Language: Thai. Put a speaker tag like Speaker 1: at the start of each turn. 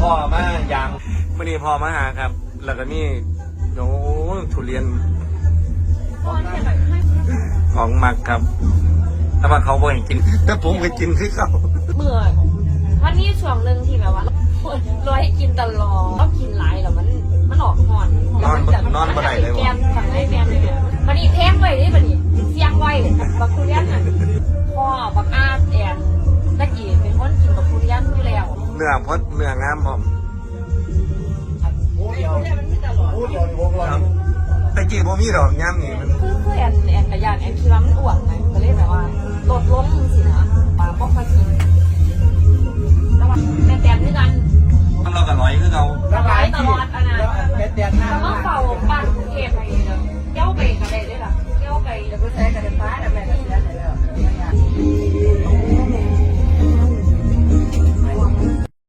Speaker 1: พ่อมาอย่าง
Speaker 2: วันนี้พ่อมาหาครับ แล้วก็นี่โอ้ทุเรียนของมักครับแต่ว่าเขาบ่ให้กินแต่ผมก็กินคือเขา
Speaker 3: เมื่อวันนี้ช่วงหนึ่งที่แบบว่าลอยให้กินตลอดต้องกินหลายแล้วมันออกหอน
Speaker 2: นอนบ่ได้เลย
Speaker 3: แก
Speaker 2: วะ
Speaker 3: มทำให้แกมเลยเนี่ยวันนี้แพงไว้ดิวันนี้เสียงไว้บักทุเรียนอ่ะพ่อบักอาดแอนตะกี้เป็นคนกินบักทุเรียนอยู่แล้ว
Speaker 2: เนื้อพดเนื้องามพร้อม
Speaker 1: พูดเดียวนี่วงเรา
Speaker 2: แต่กี้บ่มีดอกงามนี่มัน
Speaker 3: คือแอนกระยานแอนคิดว่ามันอ้วนไงก็เลยแบบว่าลดลงสินะปลาบ่ค่อยกิน